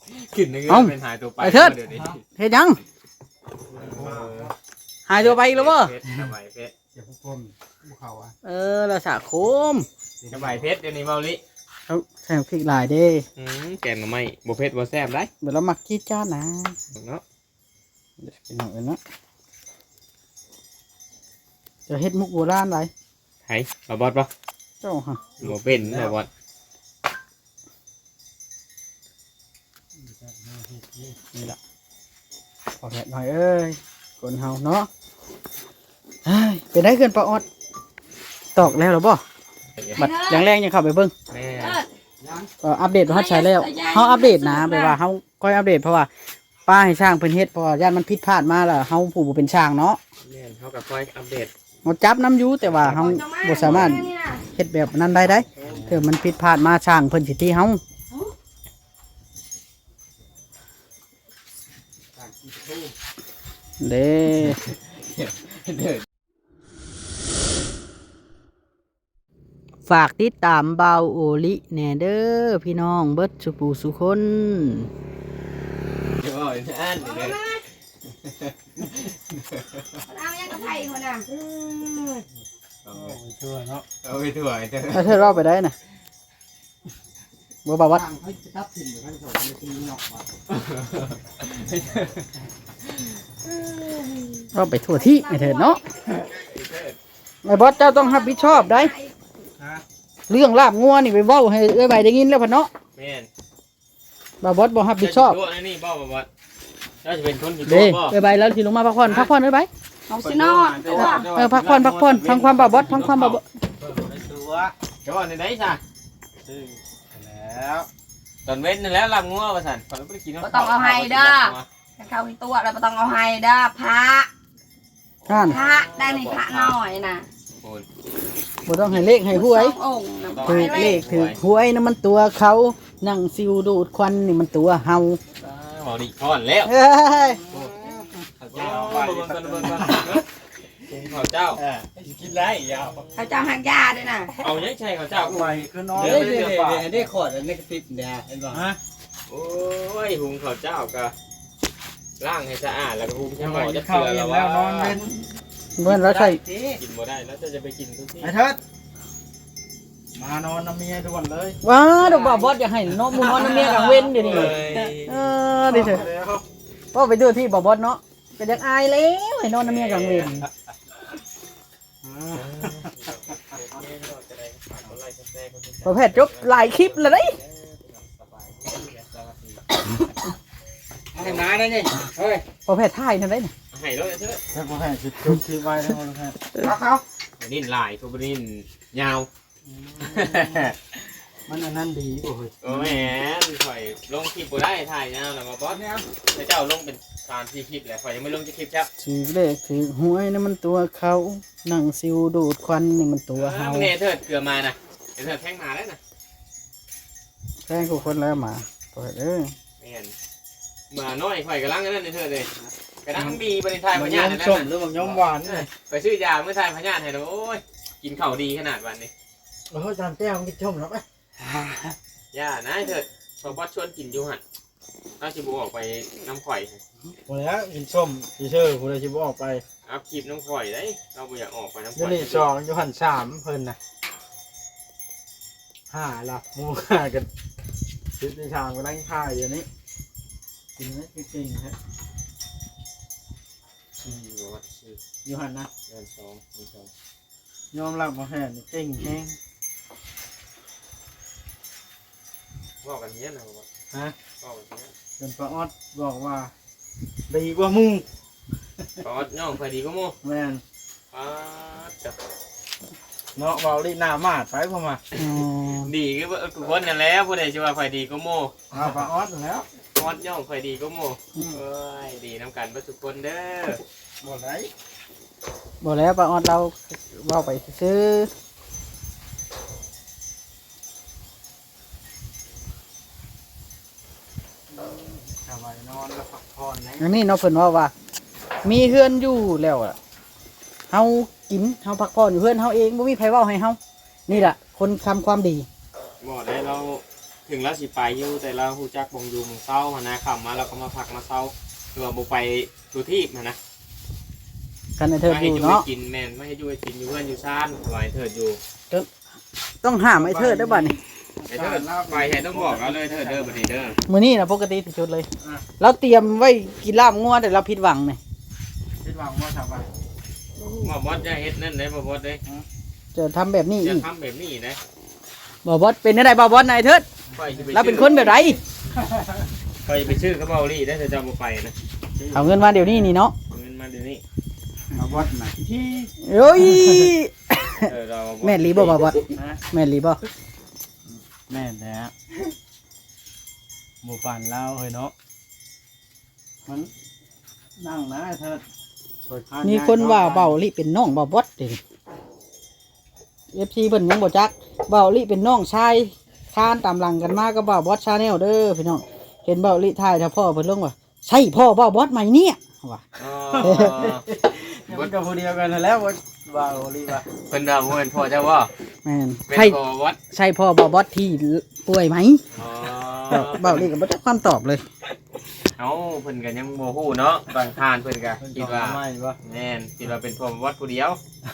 ขึ้นนึกว่าเป็นหายตัวไปเดี๋ยวนี้เฮ็ดยังหายตัวไปอีกแล้วบ่สบายเพชรเดี๋ยวพวกคนพวกเขาอ่ะละสะโคมสบายเพชรเดี๋ยวนี้เมาลิเอาใส่พริกหลายเด้แกงหน่อไม้บ่เพชรบ่แซ่บได้เดี๋ยวเรามักขี้จ้านะเนาะเดี๋ยวกินหน่อยนะจะเฮ็ดมุกโบราณไรไห้มาบอสป่ะเจ้าฮะบ่เป็นมาบอสนี่แหละพอแผลหน่อยเอ้ยคนเฮาเนาะเฮ้ยเป็นได้เกินปลาออดตอกแล้วหรอบ่บัดอย่างแรงยังเข้าไปเบิ่งแม่อัปเดตว่าใช้แล้วเฮาอัปเดตนะแปลว่าเฮาค่อยอัปเดตเพราะว่าป้าให้ช่างเพิ่นเฮ็ดเพราะว่าย่านมันผิดพลาดมาแล้วเฮาผู้บ่เป็นช่างเนาะแม่เขากับคอยอัปเดตเฮาจับน้ำอยู่แต่ว่าเฮาบ่สามารถเฮ็ดแบบนั้นได้ถ้ามันผิดพลาดมาช่างเพิ่นสิตีเฮาเด้ฝากติดตามเบาโอลิแหน่เด้อพี่น้องเบิดสุปูสุคนเดี๋ยวอ่านเลยเอายังกับไผ่คนน่ะเอาไปช่วยเนาะเอาไปถ่วยเถอะถ้าเธอเราไปได้นะบ่บ่าววัดทางเขาจะทับทิมหรือเขาจะส่งไปทีนอกว่ะเราไปทั่วที่ไอ้เถิดเนาะไอ้บอสเจ้าต้องรับผิดชอบได้เรื่องลาบงัวนี่ไปเว้าให้เอ้ยใบได้ยินแล้วพ่นเนาะแม่นบ่าวบอสบ่รับผิดชอบตัวนี่บ่บอสเราจะเป็นคนผิดเด้บ่เอ้ยใบแล้วสิลงมาพักผ่อนเอ้ยใบเอาสินอนตัวพักผ่อนฟังความบ่าวบอสฟังความบ่าวบอสตัวเดี๋ยวในไหนซะซึ่งแล้วตอนเว้นนั่นแล้วลำงัวว่าซั่นตอนบ่ได้กินก็ต้องเอาให้เด้อเข้าที่ตัวแล้วก็ต้องเอาให้เด้อพระท่านพระได้ในพระหน่อยนะโอ้ยบ่ต้องให้เลขให้หวยสององค์นะถือเลขถือหวยนั่นมันตัวเขานั่งซิวดูดควันนี่มันตัวเฮาบ่ดีพอนแล้วเอ้ยเจ้าเบิ่งข้าวเจ้ากินไรยาวเขาจะหักยาด้วยนะเอายังใช่ข้าวเจ้าไปคือนอนเดี๋ยวเดี๋ยวได้ขอดอันนี้กระติบเนี่ยเห็นป่ะฮะโอ้ยหุงข้าวเจ้าก็ล้างให้สะอาดแล้วก็หุงยัให้งหม้อกิจะนข้าวเกลือเย็แล้วนแล้วนอนเป็นเมื่อเราใช่กินบ่ได้แล้วจะไปกินทุกที่ไอ้เทิดมานอนน้ำเมียด่วนเลยว้าดอกบ่าวบอสอยากให้เนาะมึงนอนน้ำเมียกลางเว้นเดี๋ยวนี้ดิเถอะพ่อไปดูที่บ่าวบอสเนาะก็อยากอายแล้วให้นอนน้ำเมียกลางเว้นประเภทจบหลายคลิปเลยเด้ยให้น้าได้ไงเฮ้ยประเภทถ่ายนั่นได้น่ะให้แล้วเถอะถ้าผมให้จุดที่ไว้ทั้งหมดครับเขานิ่นลายทุบนิ่นยาวมันอันนั้นดีโอ้ยโอ้แหมข่อยลงคลิปบ่ได้ถ่ายยาวแล้วมาบอสเนี่ยแต่เจ้าลงเป็น3-4คลิปแหละข่อยยังไม่ลงจะคลิปครับถือเลขถือหวยนั่นมันตัวเขานั่งซิวดูดควันนี่มันตัวเฮาเนเถิดเกลือมานะเถิดแท่งมาแล้วนะแค่กูคนแล้วหมาเปิดเอ้ยแม่นมาน้อยข่อยกำลังนั่นเถิดเลยกำลังมีบริทายพมันญาย้อธิมนั่นส้มหน่ะรือมันย้อมหวานนี่ไปซื้อยาเมื่อทายพญาธิให้โอ้ยกินข้าวดีขนาดวันนี้โอ้ยจานแก้วมันกินส้มแล้วไหมย่านะเถิดพอบอสชวนกินอยู่หันเอาชิบูออกไปน้ำข่อยหมดแล้วกินส้มทีเชื่อคุณเลยชิบออกไปเอาคลิปน้ำข่อยได้เราไม่อยากออกไปน้ำข่ยูอยนิสองยูหันสามเพิ่นนะ5ละมูห้ากันชิดในชามก็นั่งค่ายอยู่นี้กินไหมจริงๆฮะบอกว่าชื่อยูหันนะเดือน2 ยอมรับมาแห่นี่เก่งแห้งบอกกันเนี้ยนะบอกว่าฮะบอกกันเนี้ยเป็นป้าออดบอกว่าดีกว่ามูบอสย่องพอดีก็โม่แม่นจับเนาะเบาลีหน้ามาดไปพอมาอ๋อดีก็กูคนนั่นแหล้วผู้ใดจะว่าพอดีก็โม่เอาป้าออดแล้วบอสย่องพอดีก็โม่เอ้ยดีน้ำกันทุกคนเด้อหมดไรบอกแล้วป้าออดเราเว่าไปซื้อสบายนอนแล้วพักผ่อนนะอย่างนี้เนาะเพิ่นว่า มีเฮือนอยู่แล้วอ่ะเฮากินเฮาพักผ่อนอยู่เฮือนเฮาเองบ่มีไผเว้าให้เฮานี่ล่ะคนทำความดีบอกได้เราถึงแล้วสิไปอยู่แต่เราฮู้จักบ่งอยู่หมู่เซาหันนะค่ำมาเราก็มาพักมาเซาคือว่าบ่ไปทุที่หันนะกันไอ้เทิดอยู่เนาะไม่ให้กินแม่นไม่ให้อยู่ให้กินอยู่เพื่อนอยู่ซ่านสบายเถิดอยู่ต้องห้ามไอ้เทิดได้อบัดนี้ไอ้เถิดไปให้ต้องบอกเราเลยเถิดเด้อบัดนี้เด้อมื้อนี้นะปกติที่สุดเลยเราเตรียมไว้กินลาบงัวแต่เราผิดหวังนี่คิดว่าว่าชาวบ้านบ่บอสจะเฮ็ดนั่นได้บ่บอสเด้จะทำแบบนี้จะอีกทำแบบนี้นะบ่บอสเป็นได้บ่บอสนายเทิดค่อยสิไปเราเป็นคนแบบไรค่อยไปชื่อเขาเบาลี่ได้แต่จะบ่ไปนะเอาเงินมาเดี๋ยวนี้นี่เนาะเอาเงินมาเดี๋ยวนี้มาวัดน่ะที่เอ้ยเราแม่นลีบ่บอสแม่นลีบ่แม่แท้หมู่ป่านเราเฮ้ยเนาะมันนั่งนะเถิดมีคนว่าเบาลิเป็นน้องบ่บอสเด้อ FC เพิ่นยังบ่จักเบาลิเป็นน้องชายคานตามหลังกันมาก็บ่าวบอสชาแนลเด้อพี่น้องเห็นเบาลิถ่ายถ้าพ่อเพิ่นลงว่าใช่พ่อบ่าวบอสไหมเนี่ยว่ามันกับผู้เดียวกันนั่นแหล้วว่าโอลีว่าเพิ่นว่าบ่แม่นพ่อเจ้าว่าแม่นเป็นใช่พ่อวัดใช่พ่อบ่าวบอสที่ป่วยไหมอ๋อเบาลิก็บ่จักความตอบเลยเอ้าเพิ่นก็ยังบ่ฮู้เนาะบางทานเพิ่นก็คิดว่าไม่ว่าแม่นคิดว่าเป็นพ่อวัดผู้เดียว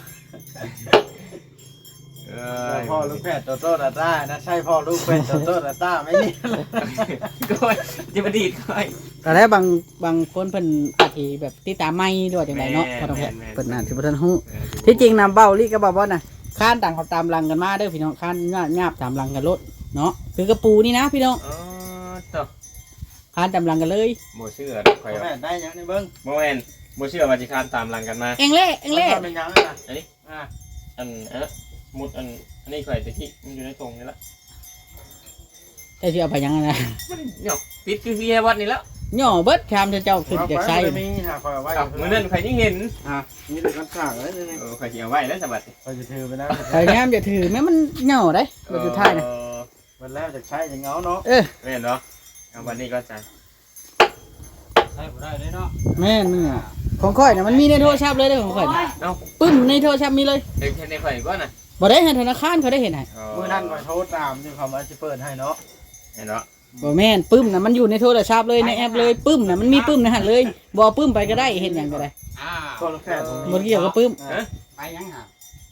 พ่อลูกแพทย์โตโต้ดาต้านะใช่พ่อลูกแพทย์โตโต้ดาต้าไหมนี่ก็จะมาดีดค่อยแต่แล้วบางคนเพิ่นอาจสิแบบติดตามไม่หรือว่าจังไดเนาะแม่นพอต้องแพ้แม่นเพิ่นน่าสิบ่ทันฮู้ที่จริงนะเบาลิก็บ่าวบอสน่ะค้านต่างเขาตามหลังกันมาเด้อพี่น้องค้านญาบตามหลังกันรถเนาะคือกระปูนี่นะพี่น้องอ๋อต่อค้านตามหลังกันเลยบ่เชื่อค่อยแพทย์ได้ยังนี่เบิ้งบ่แม่นบ่เชื่อว่าสิคานตามหลังกันมาเอ็งเล่เอ็งเล่เป็นยังนะอันมุดอันนี้ข่อยตะกี้มันอยู่ในตรงนี่ละแต่สิเอาไปยังไงนะเนี่ยปิดคือเฮียวัดนี่แล้วย่อเบิดคามเจ้าขึ้นจากไส้มีหาคอยไว้มื้อนั้นข่อยยังเห็นนี่เป็นกันข่าวเลยนี่ข่อยสิเอาไว้แล้วสบัดคอยจะถือไปนะไอ้งามจะถือแม่มันย่อได้มันอยู่ท้ายนะวันแล้วจะใช้จะเงาเนาะแม่นเนาะเอาวันนี้ก็จะใช้ได้เลยเนาะแม่นมึงอ่ะของข่อยน่ะมันมีในโทรศัพท์เลยเด้อของข่อยน่ะเอ้าปึ้มในโทรศัพท์มีเลยเด็กในข่อยบ่น่ะบ่ได้ให้ธนาคารเขาได้เห็นให้เมื่อนั้นคอยโทรตามที่เขามาจะเปิดให้เนาะเห็นเนาะบ่แม่นปึ้มน่ะมันอยู่ในโทรศัพท์เลยในแอปเลยปึ้มน่ะมันมีปึ้มในหันเลยบ่ปึ้มไปก็ได้เห็นหยังก็ได้ก็ลูกแพทย์บ่เกี่ยวกับปึ้มไปยังหา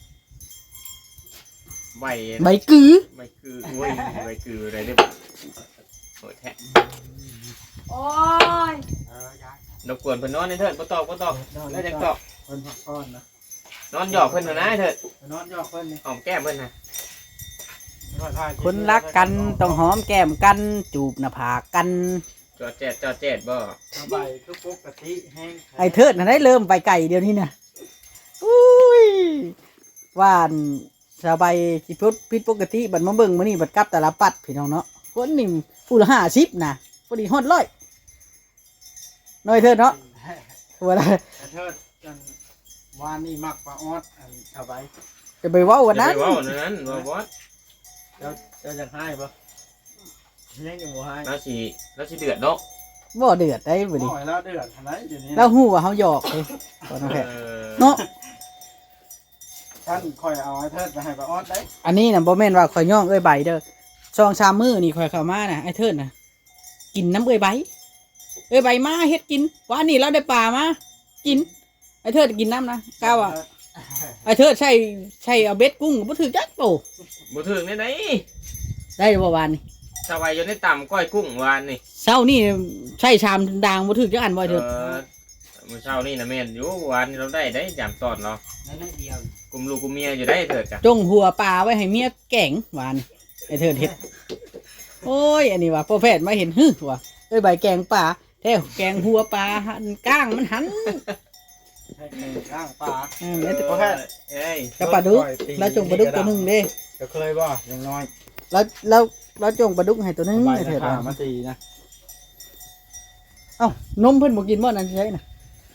ใบใบกือใบคือโอ้ยใบคืออะไรเด้อโหดแท้โอ้ยรบกวนเพิ่นนอนในเถิดบ่ตอบแล้วจังตอบเพิ่นพักผ่อนนะนอนหยอกเพิ่นนะเถิดนอนยอกเพิ่นนี่หอมแก้มเพิ่นนะคนรักกันต้องหอมแก้มกันจูบหน้าผากกันจอดแจดบ่สบายทุกปกติแห้งไอ้เทิดน่ะได้เริ่มไปไก่เดี๋ยวนี้น่ะอุ้ยว่านสบายสิพุทผิดปกติบัดมาเบิ่งมื้อนี้บัดกลับแต่ละปัดพี่น้องเนาะคนนี่ผู้ละ50นะพอดีฮอด100น้อยเทิดเนาะว่าล่ะเทิดกันวานนี่มักปลาออดอันสบายจะไปเว้ากันนะนั้นว่านั้นว่าบอสเจ้าจะให้ปะยังอยู่ให้แล้วสิเดือดเนาะบ่เดือดได้บ่ดิโอ้ยแล้วเดือดขนาดอยู่นี่เราฮู้ว่าเฮาหยอกเด้บ่น้องแพทเนาะท่านคอยเอาไอ้เทิดไปให้ปลาออดได้อันนี้น่ะบ่แม่นว่าข่อยย่องเอ้ยใบเด้อ2-3มื้อนี่ข่อยเข้ามาน่ะไอ้เทิดน่ะกินน้ำเอ้ยใบมาเฮ็ดกินว่านี่เราได้ปลามากินไอ้เทิดกินน้ำนะกล้าว่าไอ้เทิดใช่เอาเบ็ดกุ้งบ่ถือจักโตบ่ถึงได้ไหนได้บ่วานนี่สบายอยู่ในต่ำก้อยกุ้งวานนี่เช้านี่ใช่ชามด่างบ่ถือจักอันบ่ไอ้เทิดมื้อเช้านี่นะแม่นอยู่วานเราได้ยามตอนเนาะนั่นเดียวกุมลูกกุมเมียอยู่ได้เถิดจ้ะจงหัวปลาไว้ให้เมียแกงวานไอ้เทิดเฮ็ดโอ้ยอันนี้ว่าพ่อแพทย์มาเห็นฮึว่าเอ้ยใบแกงปลาแท้แกงหัวปลาหันก้างมันหันให้ข้างปลาแล้วแต่พ่อแพทย์เอ้ยกับปลาดุกแล้วจงปลาดุกตัวหนึงเด้จะเคยบ่อย่างน้อยแล้วจงปลาดุกให้ตัวหนึงใบไอ้เถิดขาว่ามาตีนะเอ้านมเพิ่นบ่กินบ่นั่นใช่น่ะ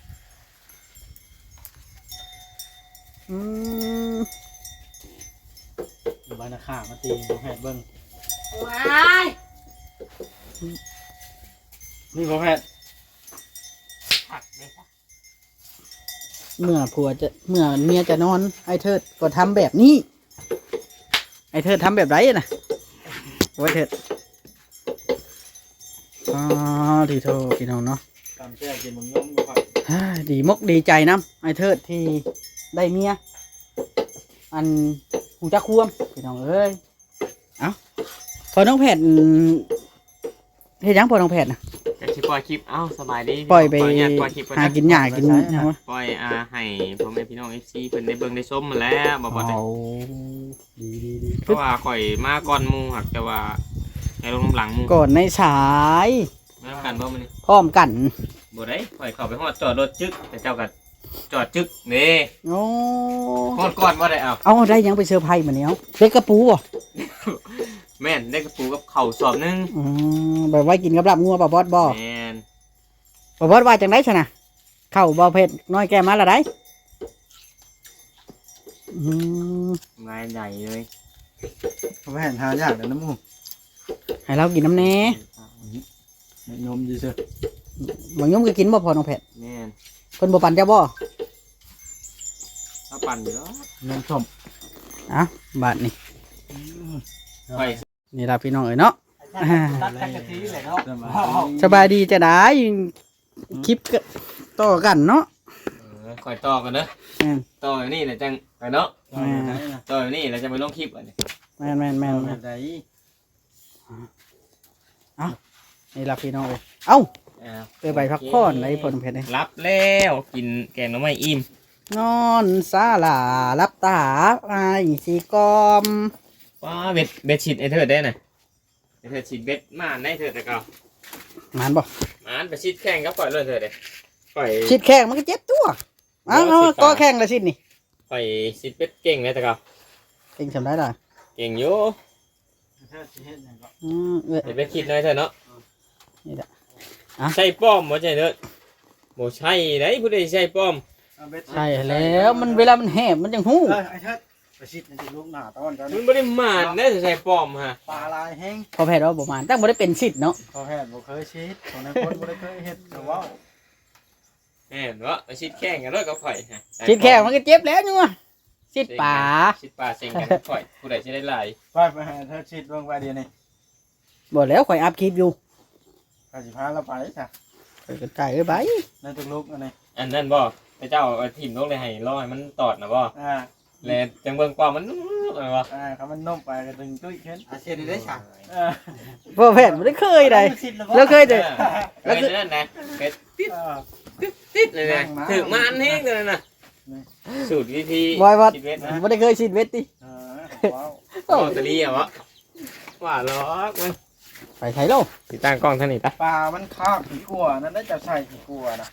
มใบนาขามาตีพ่อแพทย์เบิ้งว้ายนี่พ่อแพทย์เมื่อเมียจะนอนไอ้เทิดก็ทำแบบนี้ไอ้เทิดทำแบบไรน่ะโอ้ยเทิดที่โทพี่น้องเนาะตามแจ้กินมึงยมก็ครับดีมกดีใจน้ำไอ้เทิดที่ได้เมียอันหูจักควมพี่น้องเอ้ยเอ้าพอน้องแพทย์เฮ็ดหยังพอน้องแพทย์นะจะชิปล่อยคลิปเอ้าสบายดีปล่อยไปเนี่ยปล่อยคลิปก่อนหานะกินหญ้ากินหยังวะปล่อยให้พ่อแม่พี่น้อง FC เพิ่นได้เบิ่งได้ชมมาแล้วบ่บ่ได้เอาดีเพราะว่าข่อยมาก่อนหมู่หักแต่ว่าให้ลงน้ำหลังหมู่ก่อนในสายมากันบ่มื้อนี้พร้อมกันบ่ได้ข่อยเข้าไปฮอดจอดรถจึกแต่เจ้าก็จอดจึกนี่โอ้ฮอดก่อนบ่ได้เอาเอาได้หยังไปเซอร์ไพรส์มาเนี่ยเล็กกระปูบ่แม่นได้กระปูกับข้าวสอบหนึงแบบไว้กินกับลาบงัวบ่บอสบ่แม่นบ่บอสว่าจังได๋ซะนะเข้าบ่เผ็ดน้อยแก้มาละได้อืมงานใหญ่เลยเขาไปเห็นหายากเดี๋ยวน้ำมูกให้เรากินน้ำแหน่ยมดีเชียวบางยมก็กินบ่พอน้องแพทแม่นเพิ่นบ่ปั่นเจ้าบ่ถ้าปั่นอยู่แล้วยมชมอ่ะบาดนี่ข่อยนี่ล่ะพี่น้องเอ้ยเนาะตัดกะทิเลยเนาะสบายดีจะได้คลิปก็ต่อกันเนาะข่อยต่อกันเด้อแม่นต่ออยู่นี่แหละจังไปเนาะต่อไหนนะต่ออยู่นี่แล้วจะไปลงคลิปอันนี้แม่นแม่นแม่นต่อแม่นไหนนี่ล่ะพี่น้องเอ้ยเอ้าอ่าไปไปพักผ่อนในพอน้องแพทเอ้ยรับแล้วกินแกงหน่อไม้อิ่มนอนศาลารับตาไอ้สีกอมว้าเบ็ดชิดไอ้เถิดได้น่ะไอ้เถิดชิดเบ็ดมาในเถิดแต่เก่ามันบ่มันไปชิดแข่งกับปล่อยเลยเถิดเลยปล่อยชิดแข้งมันก็เจ็บตัวเอ้าเอาก็แข้งละชิดนี่ปล่อยชิดเบ็ดเก่งเลยแต่เก่าเองทำได้ล่ะเก่งอยู่เอ้ยเดี๋ยวเบ็ดชิดหน่อยเถอะเนาะนี่แหละใช่ป้อมบ่ใช่เถิดบ่ใช่ได้ผู้ใดใช่ป้อมใช่แล้วมันเวลามันแหบมันจังหู้ไอ้เทิดไปชิดในลูกหน้าตอนกันมันบ่ได้มานได้ใช่ป้อมฮะปลาลายแห้งพอแพทย์เราประมาณตั้งบ่ได้เป็นชิดเนาะเขาแห่บ่เคยชิดคนในคนบ่ได้เคยเฮ็ดแต่ว่าแม่นบ่ไปชิดแข่งกันด้วยกับข่อยฮะชิดแข้งมันก็เจ็บแล้วนัวชิดป่าชิดป่าเซ็งกันกับข่อยผู้ใดสิได้หลายไปหาเทิดชิดเบิ่งไปเดี๋ยวนี้บ่แล้วข่อยอัพคลิปอยู่กสิพาเราไปจ้ะข่อยก็จ่ายเอ้ยไปในตุกลุกอันนี้อันนั้นบ่พระเจ้าเอาถิ่มลงเลยให้รอให้มันตอดนะบ่ แล้วจังเบิ่งกว่ามันอะไรวะเขามันนุ่มไปก็ดึงตุ้ยขึ้นอาเซียนได้ฉากพอแพทย์บ่ได้เคยใดแล้วเคยแต่แล้วคือนั่นนะเป็ดติดเลยนะถึงมาอันนี้เลยนะสูตรวิธีบอยว่าชีวิตนะบ่ได้เคยชิดเวทติว้าวโอ้ตะลีอ่ะวะว่าล็อกมันไปไทยโลติดตั้งกล้องท่านนี่ตะปลามันคาบขี้กลัวนั่นได้จะใส่ขี้กลัวนะ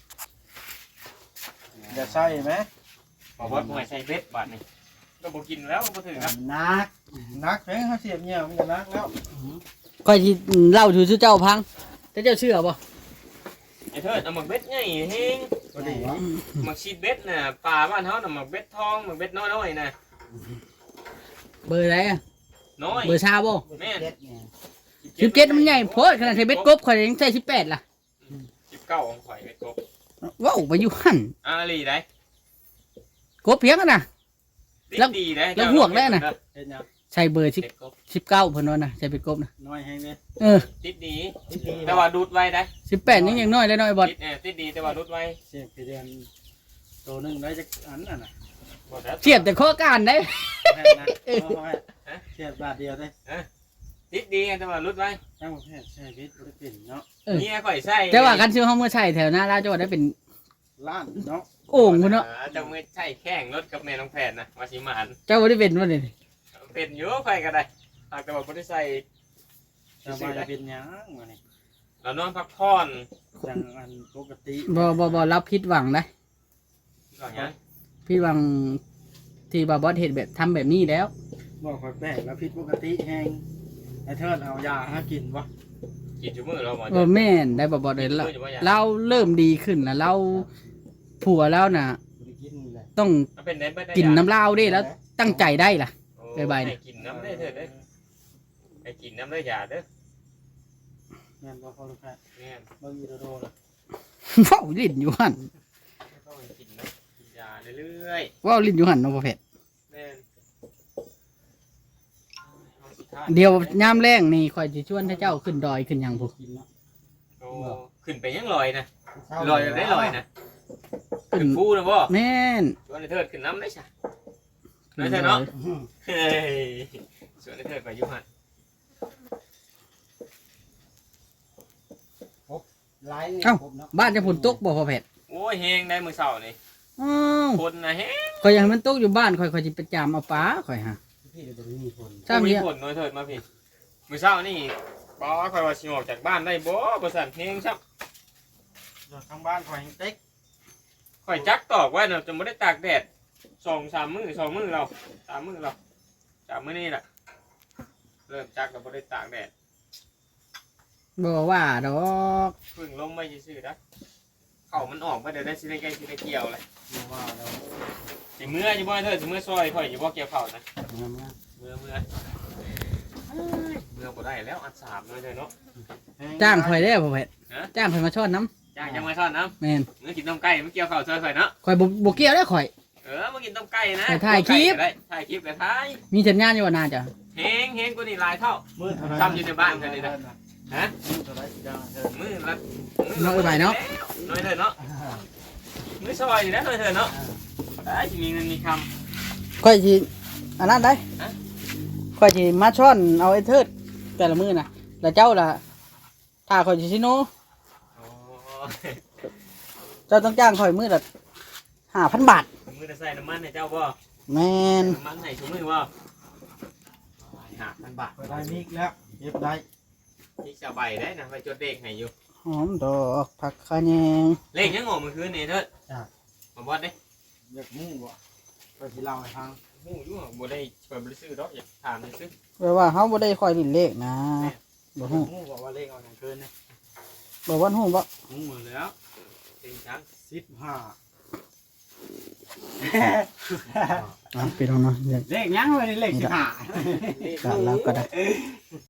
จะใส่ไหมบอกว่าบ่ให้ใส่เบ็ดบาดนี่ก็บ่กินแล้วบ่ถึงครับนักเฮ้ยเขาเสียบเนี่ยมันจะนักแล้วข่อยสิเล่าสู่เจ้าพังแต่เจ้าเชื่อบ่ไอ้เถิดเอาหมักเบ็ดใหญ่เฮงพอดีหมักชีดเบ็ดน่ะปลาบ้านเฮาน่ะหมักเบ็ดทองหมักเบ็ดน้อยๆน่ะเบอร์อะไรอะน้อยเบอร์ชาบ่แม่น 17มันใหญ่โพดขนาดใช้เบ็ดกบข่อยยังใช้18ล่ะ 19ของข่อยเบ็ดกบว้าวไปอยู่หั่นอาลีได้กบเพียงกันน่ะ แล้วดีได้แล้วห่วงได้น่ะเห็นยังใช้เบอร์เบ็ดกบ 19เพิ่นว่าน่ะใช้เบ็ดกบน่ะน้อยให้ไหมเออติดดีแต่ว่าดูดไว้ได้ 18ยังน้อยแล้วน้อยบ่ติดดีแต่ว่าดูดไว้เสียบกี่เดือนตัวหนึ่งได้จากอันน่ะนะบ่ได้เสียบแต่ข้อการได้แค่นะเสียบบาทเดียวได้ติดดีแต่ว่าดูดไว้ตั้งประเภทใช้วิทย์บริปินเนาะเนี่ยข่อยใส่แต่ว่ากันซื้อเฮาเมื่อใช้แถวหน้าลาวจังหวัดได้เป็นล้านเนาะโอ่งพุ่นเนาะจังมือใช่แข้งรถกับแม่น้องแผนนะมาสิมานเจ้าบ่ได้เป็นว่านี่เป็นอยู่ข่อยก็ได้หากแต่ว่าบ่ได้ใส่จะมาเป็นยังวะนี่เรานอนพักผ่อนจังอันปกติบ่รับผิดหวังได้ก่อนงั้นผิดหวังที่บาบอสเฮ็ดแบบทำแบบนี้แล้วบอกคอยแปลกแล้วพิษปกติแห้งไอ้เทิดเอายาให้กินวะกินจุมื้อเราบ่บ่แม่นได้บาบอสเลยเราเริ่มดีขึ้นแล้วเราผัวแล้วน่ะบริกินเลยต้องเป็นได้บ่ได้กินน้ำลาวได้แล้วตั้งใจได้ล่ะ บ๊ายบายให้กินน้ำได้เถิดเด้อให้กินน้ำได้ยาเด้อแม่นบอกเขาลูกแพทย์แม่นบางทีโดนละเว้าลิ้นอยู่หั่นต้องให้กินน้ำกินยาเรื่อยเว้าลิ้นอยู่หั่นเนาะพ่อเพชรๆแม่นเอาสุดท้ายเดี๋ยวยามแรงนี่ข่อยสิชวนให้เจ้าขึ้นดอยขึ้นหยังพุกินเนาะโอ้ขึ้นไปยังลอยนะลอยแบบได้ลอยนะขึ้นฟูนะบ่แม่นชวนไอ้เทิดขึ้นน้ำได้ใช่น้อยเถิดเนาะเฮ้ยชวนไอ้เทิดไปอยุหันไลน์นี่ผมเนาะบ้านจะฝนตกบ่พอแพทย์โอ้ยเฮงได้มือเสาร์นี่อ้าวคนนะเฮงข่อยอยากให้มันตกอยู่บ้านข่อยสิไปจามเอาปลาข่อยฮะพี่จะมีคนถ้ามีผลน้อยเถิดมาพี่มือเสาร์นี่ป้าคอยว่าสิออกจากบ้านได้บ่ประสานเฮงชับทางบ้านคอยเต็กคอยจักตอกไว้เนาะจะไม่ได้ตากแดด2-3 มื้อ2 มื้อเรา3 มื้อเรา3 มื้อนี่แหละเริ่มจักแล้วไม่ได้ตากแดดบ่ว่าดอกเพึ่งลงไม่ซื่อๆนะเข่ามันออกมาเดี๋ยวได้สิได้ใกล้สิได้เกี่ยวเลยว่าเราสิเมื่อจะบ่เถิดสิเมื่อซอยข่อยจะบ่เกี่ยวเข่านะเมื่อเมื่อบ่ได้แล้วอัน3เลยเด้อเนาะจ้างข่อยได้อพอแพทย์ฮะจ้างข่อยมาช้อนน้จ้างจะมาซ่อนน้ำแม่นำเมื่อกินต้มไก่ไม่เกี่ยวเข่าซอยข่อยเนาะข่อยบ่เกี่ยวได้อข่อยมากินต้มไก่นะไปถ่ายคลิปได้ถ่ายคลิปกับถ่ายมีสัญญาณอยู่ว่าน่าจะเฮงกูนี่หลายเท่ามือเท่าไรซ้ำอยู่ในบ้านกันเลยนะฮะมือเท่าไรจ้าเธอมือละน้อยไปเนาะน้อยเถิดเนาะมือซอยอยู่นะน้อยเถิดเนาะได้สิมีเงินมีคข่อยสิอันนั้นได้ฮะข่อยสิมาช้อนเอาไอ้เทิดแต่ละมื้อน่ะแล้วเจ้าล่ะถ้าข่อยสิซิโนำโอ้เจ้าต้องจ้างข่อยมื้อละ5,000 บาทมือจะใส่น้ำมันให้เจ้าบ่แม่นน้ำมันให้ชุมือบ่5,000 บาทได้มิกแล้วเย็บได้ที่สบายได้นะไปจดเลขให้อยู่หอมดอกผักคะแยงเลขยังงงเมื่อคืนนี่เถิดมาบอดเด้อยากมุ่งบ่ก็สิเล่าให้ฟังหูอยู่บ่ได้ช่วยบ่ได้ซื้อดอกอยากถามได้ซื้อแปลว่าเฮาบ่ได้ค่อยลิ้นเลขนะบ่ฮู้มุ่งบอกว่าเลขเอาอย่างเกินนะบ่ว่าฮู้บ่หูหมดแล้วจริงจัง 15 พี่น้องเนาะเลขยังเลยเลข15 แล้วก็ได้